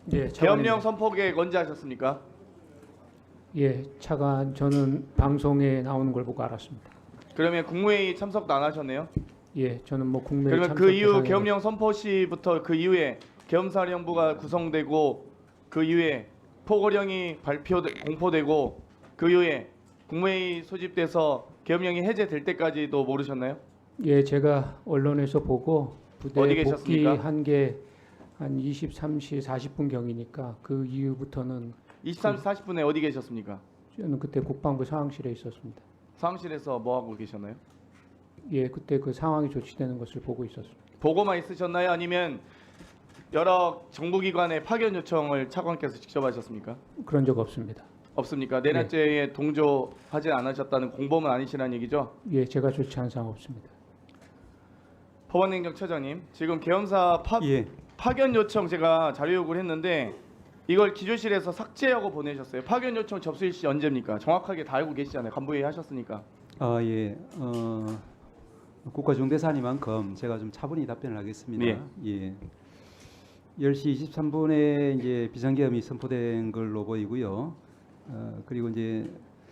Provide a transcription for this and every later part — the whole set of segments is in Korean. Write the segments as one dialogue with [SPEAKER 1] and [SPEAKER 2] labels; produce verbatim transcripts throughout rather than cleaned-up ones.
[SPEAKER 1] 예,
[SPEAKER 2] 계엄령
[SPEAKER 1] 차관입니다.
[SPEAKER 2] 선포 계획 언제 하셨습니까?
[SPEAKER 1] 예, 차관 저는 방송에 나오는 걸 보고 알았습니다.
[SPEAKER 2] 그러면 국무회의 참석도 안 하셨네요.
[SPEAKER 1] 예, 저는 뭐 국내
[SPEAKER 2] 그러면
[SPEAKER 1] 참석
[SPEAKER 2] 그 이후
[SPEAKER 1] 대상에
[SPEAKER 2] 계엄령 선포 시부터 그 이후에 계엄사령부가 구성되고 그 이후에 포고령이 발표 공포되고 그 이후에 국무회의 소집돼서 계엄령이 해제될 때까지도 모르셨나요?
[SPEAKER 1] 예, 제가 언론에서 보고 부대
[SPEAKER 2] 어디 계셨습니까?
[SPEAKER 1] 복귀한 게 한 이십삼 시 사십 분 경이니까 그 이후부터는
[SPEAKER 2] 이십삼 시 사십 분에 어디 계셨습니까?
[SPEAKER 1] 저는 그때 국방부 상황실에 있었습니다.
[SPEAKER 2] 사무실에서 뭐 하고 계셨나요?
[SPEAKER 1] 예, 그때 그 상황이 조치되는 것을 보고 있었습니다.
[SPEAKER 2] 보고만 있으셨나요? 아니면 여러 정부기관의 파견 요청을 차관께서 직접 하셨습니까?
[SPEAKER 1] 그런 적 없습니다.
[SPEAKER 2] 없습니까? 내란죄에 동조하지 않으셨다는 공범은 아니시라는 얘기죠?
[SPEAKER 1] 예, 제가 조치한 사항 없습니다.
[SPEAKER 2] 법원행정처장님, 지금 계엄사 파,
[SPEAKER 3] 예.
[SPEAKER 2] 파견 요청 제가 자료 요구를 했는데 이걸 기조실에서 삭제하고 보내셨어요. 파견 요청 접수 일시 언제입니까? 정확하게 다 알고 계시잖아요. 간부회의 하셨으니까.
[SPEAKER 3] 아, 예. 어, 국가중대사니만큼 제가 좀 차분히 답변을 하겠습니다.
[SPEAKER 2] 예.
[SPEAKER 3] 예. 열 시 이십삼 분에 이제 비상계엄이 선포된 걸로 보이고요. 어, 그리고 이제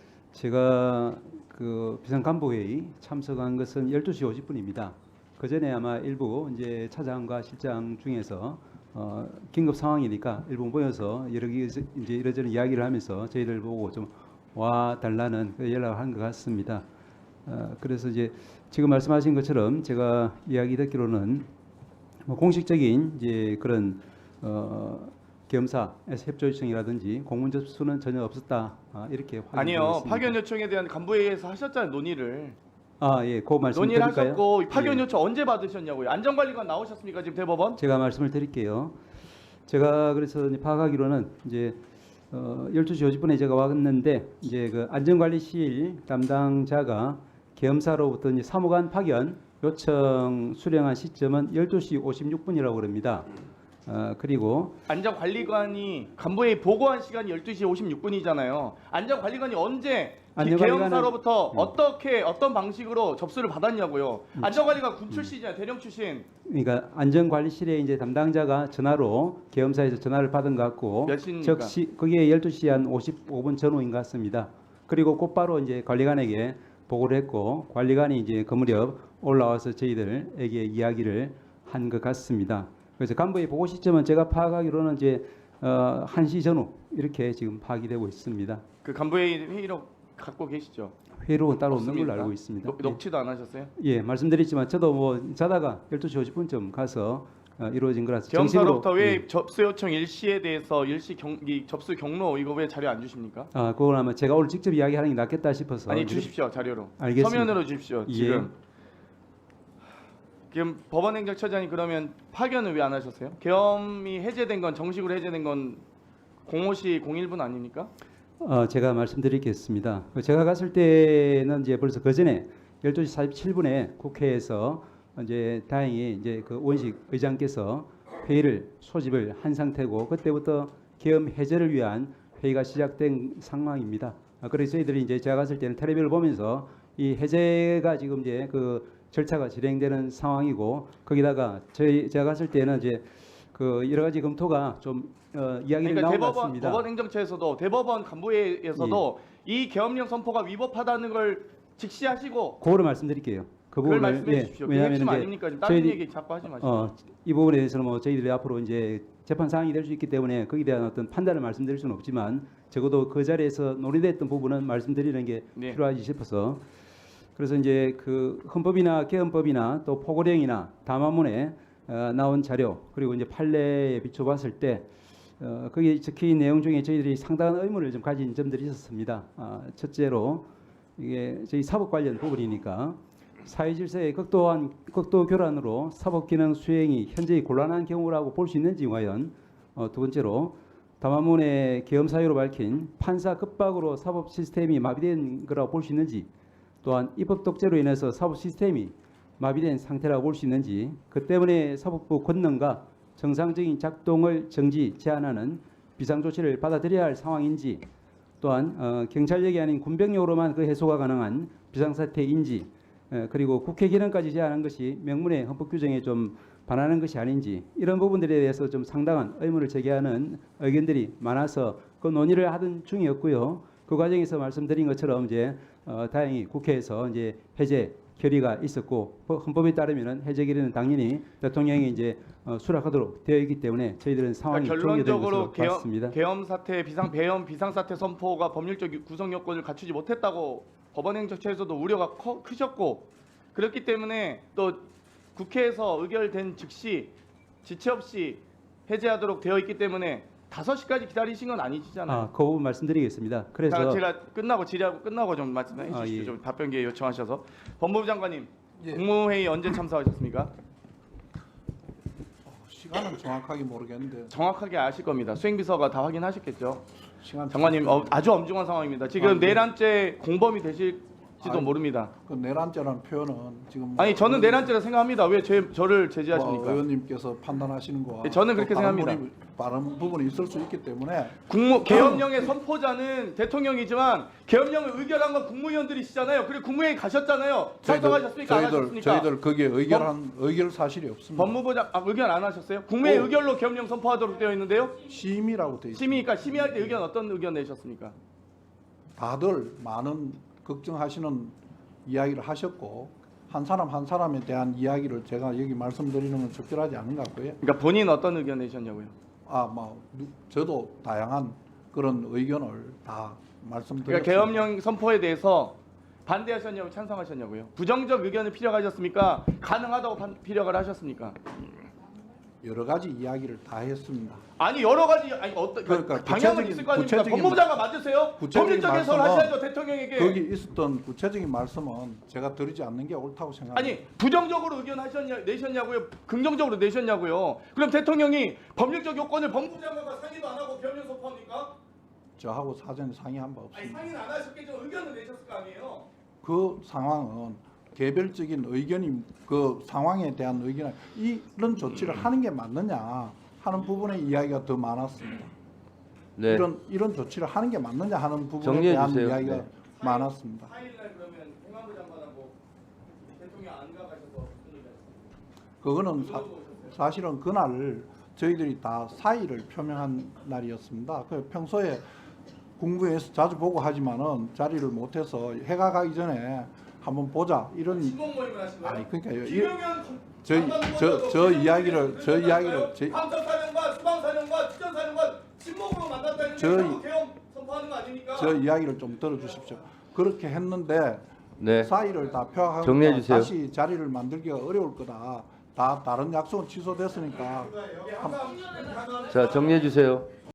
[SPEAKER 3] 제가 그 비상간부회의 참석한 것은 열두 시 오십 분입니다. 그 전에 아마 일부 이제 차장과 실장 중에서 어, 긴급 상황이니까 일부 모여서 여러 개 이제 이러저런 이야기를 하면서 저희들 보고 좀 와 달라는 그 연락을 한 것 같습니다. 어, 그래서 이제 지금 말씀하신 것처럼 제가 이야기 듣기로는 뭐 공식적인 이제 그런 어, 계엄사에서 협조 요청이라든지 공문 접수는 전혀 없었다. 아, 이렇게
[SPEAKER 2] 아니요.
[SPEAKER 3] 확인되었습니다.
[SPEAKER 2] 파견 요청에 대한 간부회의에서 하셨잖아요. 논의를.
[SPEAKER 3] 아, 예, 그 말씀
[SPEAKER 2] 논의를
[SPEAKER 3] 드릴까요?
[SPEAKER 2] 하셨고 파견
[SPEAKER 3] 예.
[SPEAKER 2] 요청 언제 받으셨냐고요. 안전관리관 나오셨습니까? 지금 대법원?
[SPEAKER 3] 제가 말씀을 드릴게요. 제가 그래서 이제 파악하기로는 이제 어, 열두 시 오십 분에 제가 왔는데 이제 그 안전관리실 담당자가 계엄사로부터 이제 사무관 파견 요청 수령한 시점은 열두 시 오십육 분이라고 그럽니다. 어, 그리고
[SPEAKER 2] 안전관리관이 간부회의 보고한 시간이 열두 시 오십육 분이잖아요. 안전관리관이 언제
[SPEAKER 3] 안전관리관은-
[SPEAKER 2] 계엄사로부터
[SPEAKER 3] 음.
[SPEAKER 2] 어떻게 어떤 방식으로 접수를 받았냐고요. 안전관리관 군 출신이잖아요. 대령 출신.
[SPEAKER 3] 그러니까 안전관리실에 이제 담당자가 전화로 계엄사에서 전화를 받은 것 같고
[SPEAKER 2] 몇 시입니까?
[SPEAKER 3] 즉시 그게 열두 시 한 오십오 분 전후인 것 같습니다. 그리고 곧바로 이제 관리관에게 보고를 했고 관리관이 이제 그 무렵 올라와서 저희들에게 이야기를 한 것 같습니다. 그래서 간부의 보고 시점은 제가 파악하기로는 이제 어, 한 시 전후 이렇게 지금 파악이 되고 있습니다.
[SPEAKER 2] 그 간부회의 회의록 갖고 계시죠?
[SPEAKER 3] 회의록은 따로 없는
[SPEAKER 2] 없습니까?
[SPEAKER 3] 걸로 알고 있습니다.
[SPEAKER 2] 녹, 녹취도 안 하셨어요?
[SPEAKER 3] 예, 예, 말씀드렸지만 저도 뭐 자다가 열두 시 오십 분쯤 가서 어, 이루어진 거라서 정식으로
[SPEAKER 2] 계엄사로부터 왜
[SPEAKER 3] 예.
[SPEAKER 2] 접수 요청 일시에 대해서 일시 경, 이 접수 경로 이거 왜 자료 안 주십니까?
[SPEAKER 3] 아, 그걸 아마 제가 오늘 직접 이야기하는 게 낫겠다 싶어서
[SPEAKER 2] 아니 주십시오 자료로.
[SPEAKER 3] 알겠습니다.
[SPEAKER 2] 서면으로 주십시오.
[SPEAKER 3] 예.
[SPEAKER 2] 지금 지금 법원행정처장이 그러면 파견을 왜 안 하셨어요? 계엄이 해제된 건 정식으로 해제된 건 공오시 공일 분 아닙니까?
[SPEAKER 3] 어, 제가 말씀드리겠습니다. 제가 갔을 때는 이제 벌써 그 전에 열두 시 사십칠 분에 국회에서 이제 다행히 이제 그 원식 의장께서 회의를 소집을 한 상태고 그때부터 계엄 해제를 위한 회의가 시작된 상황입니다. 아, 그래서 저희들이 이제 제가 갔을 때는 텔레비를 보면서 이 해제가 지금 이제 그 절차가 진행되는 상황이고 거기다가 저희 제가 갔을 때는 이제 그 여러 가지 검토가 좀 어, 이야기를
[SPEAKER 2] 그러니까
[SPEAKER 3] 나온 것
[SPEAKER 2] 대법원
[SPEAKER 3] 같습니다.
[SPEAKER 2] 법원 행정처에서도 대법원 간부회에서도 이 계엄령 선포가 위법하다는 걸 직시하시고
[SPEAKER 3] 그거를 말씀드릴게요. 그
[SPEAKER 2] 그걸
[SPEAKER 3] 부분을
[SPEAKER 2] 말씀해 주십시오. 그게 핵심
[SPEAKER 3] 이제
[SPEAKER 2] 아닙니까? 지금 다른
[SPEAKER 3] 저희들이-
[SPEAKER 2] 얘기 자꾸 하지 마시고.
[SPEAKER 3] 어, 이 부분에 대해서는 뭐 저희들이 앞으로 이제 재판 사항이 될 수 있기 때문에 거기에 대한 어떤 판단을 말씀드릴 수는 없지만 적어도 그 자리에서 논의됐던 부분은 말씀드리는 게
[SPEAKER 2] 네.
[SPEAKER 3] 필요하지 싶어서 그래서 이제 그 헌법이나 개헌법이나 또 포고령이나 담화문에 어, 나온 자료 그리고 이제 판례에 비춰봤을 때 어, 거기에 적힌 내용 중에 저희들이 상당한 의문을 좀 가진 점들이 있었습니다. 아, 첫째로 이게 저희 사법 관련 부분이니까 사회질서의 극도한 극도 교란으로 사법 기능 수행이 현재의 곤란한 경우라고 볼 수 있는지 과연 어, 두 번째로 담화문의 계엄 사유로 밝힌 판사 급박으로 사법 시스템이 마비된 거라고 볼 수 있는지 또한 입법 독재로 인해서 사법 시스템이 마비된 상태라고 볼 수 있는지 그 때문에 사법부 권능과 정상적인 작동을 정지 제한하는 비상조치를 받아들여야 할 상황인지 또한 어, 경찰력이 아닌 군병력으로만 그 해소가 가능한 비상사태인지 에, 그리고 국회 기능까지 제한한 것이 명문의 헌법 규정에 좀 반하는 것이 아닌지 이런 부분들에 대해서 좀 상당한 의문을 제기하는 의견들이 많아서 그 논의를 하던 중이었고요. 그 과정에서 말씀드린 것처럼 이제 어, 다행히 국회에서 이제 해제 결의가 있었고 헌법에 따르면은 해제 결의는 당연히 대통령이 이제 어, 수락하도록 되어 있기 때문에 저희들은 상황이
[SPEAKER 2] 그러니까
[SPEAKER 3] 종료된
[SPEAKER 2] 결론적으로
[SPEAKER 3] 것으로 봤습니다.
[SPEAKER 2] 계엄, 계엄 사태 비상 배엄 비상 사태 선포가 법률적 구성 요건을 갖추지 못했다고 법원행정처에서도 우려가 커, 크셨고 그렇기 때문에 또 국회에서 의결된 즉시 지체 없이 해제하도록 되어 있기 때문에 다섯 시까지 기다리신 건 아니시잖아요.
[SPEAKER 3] 아, 그 부분 말씀드리겠습니다. 그래서
[SPEAKER 2] 자, 제가 끝나고 질의하고 끝나고 좀 말씀해 주시죠.
[SPEAKER 3] 아, 예.
[SPEAKER 2] 좀 답변 기회 요청하셔서. 법무부 장관님,
[SPEAKER 4] 예.
[SPEAKER 2] 국무회의 언제 참석하셨습니까?
[SPEAKER 4] 시간은 정확하게 모르겠는데
[SPEAKER 2] 정확하게 아실 겁니다. 수행비서가 다 확인하셨겠죠.
[SPEAKER 4] 시간
[SPEAKER 2] 장관님 어, 아주 엄중한 상황입니다. 지금
[SPEAKER 4] 아, 네.
[SPEAKER 2] 내란죄 공범이 되실지도
[SPEAKER 4] 아니,
[SPEAKER 2] 모릅니다.
[SPEAKER 4] 그 내란죄라는 표현은 지금
[SPEAKER 2] 아니 저는
[SPEAKER 4] 의원-
[SPEAKER 2] 내란죄라 생각합니다. 왜 제, 저를
[SPEAKER 4] 뭐
[SPEAKER 2] 제지하십니까?
[SPEAKER 4] 의원님께서 판단하시는 거와
[SPEAKER 2] 네, 저는 그렇게
[SPEAKER 4] 또 다른
[SPEAKER 2] 생각합니다.
[SPEAKER 4] 부분이- 다른 부분이 있을 수 있기 때문에
[SPEAKER 2] 국무 계엄령의 선포자는 대통령이지만 계엄령을 의결한 건 국무위원들이시잖아요. 그리고 국무회의 가셨잖아요. 참석하셨습니까? 안
[SPEAKER 4] 저희들
[SPEAKER 2] 하셨습니까?
[SPEAKER 4] 저희들 거기에 의결한 의결 사실이 없습니다.
[SPEAKER 2] 법무부 장 아, 의견 안 하셨어요? 국무회의
[SPEAKER 4] 오.
[SPEAKER 2] 의결로 계엄령 선포하도록 되어 있는데요.
[SPEAKER 4] 심의라고 돼 있습니다.
[SPEAKER 2] 심의니까 심의할 때 의견 어떤 의견 내셨습니까?
[SPEAKER 4] 다들 많은 걱정하시는 이야기를 하셨고 한 사람 한 사람에 대한 이야기를 제가 여기 말씀드리는 건 적절하지 않은 것 같고요.
[SPEAKER 2] 그러니까 본인 어떤 의견 내셨냐고요?
[SPEAKER 4] 아, 뭐 누- 저도 다양한 그런 의견을 다 말씀드렸습니다.
[SPEAKER 2] 그러니까 계엄령 선포에 대해서 반대하셨냐고 찬성하셨냐고요? 부정적 의견을 피력하셨습니까? 가능하다고 판- 피력을 하셨습니까?
[SPEAKER 4] 여러 가지 이야기를 다 했습니다.
[SPEAKER 2] 아니 여러 가지 아니 어떤
[SPEAKER 4] 그러니까
[SPEAKER 2] 방향은
[SPEAKER 4] 구체적인-
[SPEAKER 2] 있을 거 아닙니까?
[SPEAKER 4] 구체적인
[SPEAKER 2] 법무부 장관 맞으세요?
[SPEAKER 4] 구체적인
[SPEAKER 2] 법률적 해석을
[SPEAKER 4] 말씀은
[SPEAKER 2] 하셔야죠 대통령에게.
[SPEAKER 4] 거기 있었던 구체적인 말씀은 제가 드리지 않는 게 옳다고 생각합니다.
[SPEAKER 2] 아니 부정적으로 의견 하셨냐 내셨냐고요? 긍정적으로 내셨냐고요? 그럼 대통령이 법률적 요건을 법무부 장관과 상의도 안 하고 계엄령 선포합니까?
[SPEAKER 4] 저하고 사전에 상의한 바
[SPEAKER 2] 아니
[SPEAKER 4] 없습니다.
[SPEAKER 2] 상의는 안 하셨겠죠. 의견을 내셨을 거 아니에요?
[SPEAKER 4] 그 상황은 개별적인 의견이 그 상황에 대한 의견 이런 조치를 하는 게 맞느냐 하는 부분의 이야기가 더 많았습니다.
[SPEAKER 5] 네.
[SPEAKER 4] 이런 이런 조치를 하는 게 맞느냐 하는 부분에
[SPEAKER 5] 정리해
[SPEAKER 4] 대한
[SPEAKER 5] 주세요.
[SPEAKER 4] 이야기가
[SPEAKER 5] 네.
[SPEAKER 4] 많았습니다.
[SPEAKER 2] 사 일날 그러면 행안부 장관하고 대통령 안 가가셔서 무슨 얘기 하셨어요?
[SPEAKER 4] 그거는 사, 사실은 그날 저희들이 다 사의를 표명한 날이었습니다. 그 평소에 국무회에서 자주 보고 하지만은 자리를 못해서 해가 가기 전에 한번 보자 이런
[SPEAKER 2] 신공 모임을 하신 거예요?
[SPEAKER 4] 아니 그러니까요. 이-
[SPEAKER 2] 김용현
[SPEAKER 4] 저희-
[SPEAKER 2] 장관
[SPEAKER 4] 저-
[SPEAKER 2] 후보자도
[SPEAKER 4] 저
[SPEAKER 2] 김용현
[SPEAKER 4] 이야기를-
[SPEAKER 2] 후보자도
[SPEAKER 4] 저 이야기를
[SPEAKER 2] 만났어요?
[SPEAKER 4] 제-
[SPEAKER 2] 감찰사령관, 수방사령관, 특전사령관 친목으로 만났다는 게
[SPEAKER 4] 저희-
[SPEAKER 2] 결국 계엄 선포하는 거 아닙니까?
[SPEAKER 4] 저 이야기를 좀 들어주십시오. 그렇게 했는데
[SPEAKER 5] 네.
[SPEAKER 4] 사의를 다 표하고
[SPEAKER 5] 정리해 주세요.
[SPEAKER 4] 다시 자리를 만들기가 어려울 거다. 다 다른 약속은 취소됐으니까
[SPEAKER 2] 여기 항상
[SPEAKER 5] 자, 정리해 주세요.